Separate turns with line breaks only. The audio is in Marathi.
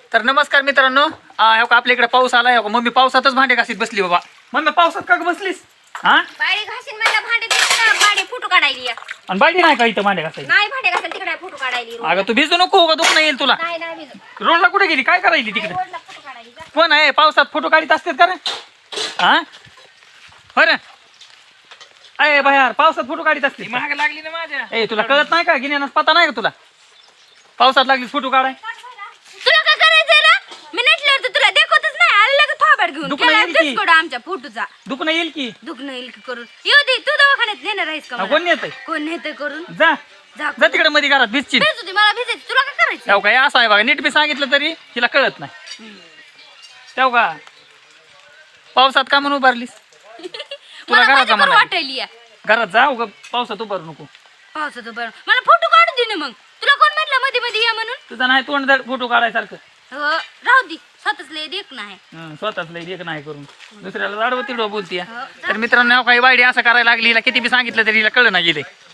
तर नमस्कार मित्रांनो, हो का आपल्या इकडे पाऊस आलाय. हो का मम्मी पावसातच भांडे घासीत बसली बाबा. मम्मी पावसात का ग बसलीस? हा
बाडी घासीन मला भांडे दिसते ना, बाडी फोटो काढायली आहे.
आणि बायडी नाही का इथं भांडे घासायची?
नाही भांडे घासायला तिकडे फोटो काढायली.
अगं तू भिजू नको का दुखणं येईल तुला.
नाही नाही भिजत.
रोडला कुठे गेली? काय करायली तिकडे?
रोडला फोटो काढायली जा.
कोण आहे पावसात फोटो काढीत असतात का रे? हा बरं अय बाहेर पावसात फोटो काढीत असते.
महाग लागली ना माझ्या.
ए तुला कळत नाही का? गिन्यानाच पता नाही का तुला? पावसात लागली फोटो काढाय.
तुला काय करायचंय ना? मी नटल्यावर तर तुला देखवतच नाही. आलं लगेच थोबाड घेऊन
दुखणं
केला
येईल की?
डिस्कोड आमच्या फोटोचा.
दुखणं येईल की?
दुखणं येईल की करून. येऊ दे तू दवाखान्यात नेणार आहेस का मला?
कोण येतंय?
कोण नेतंय करून?
जा
जा
जा तिकडे मध्ये घरात भिजची.
भेजू दे मला भेजायचं. तुला काय करायचं?
तेव्हा काय असं आहे बघा, नीट बी सांगितलं तरी तिला कळत नाही. तेव्हा का पावसात का म्हणून उभारलीस? तुला
मला
घरात
माझ्या
जमा
बरं
नाही.
वाटायली आहे.
घरात जा उगा पावसात उभारू नको.
पावसाचं बरं मला फोटो काढून दे ना मग. तुला कोण म्हटलं मध्ये मध्ये या म्हणून?
तुझा नाही तोंड फोटो काढायसारखं.
हो, राहू दे. स्वतःच लय देख नाही.
स्वतःच लई एक नाही करून दुसऱ्याला जाडवं तिडवं बोलतीय.
हो,
तर मित्रांनो काही बायडी असं करायला लागली, हिला किती बी सांगितलं तरी हिला कळलं नाही गेले.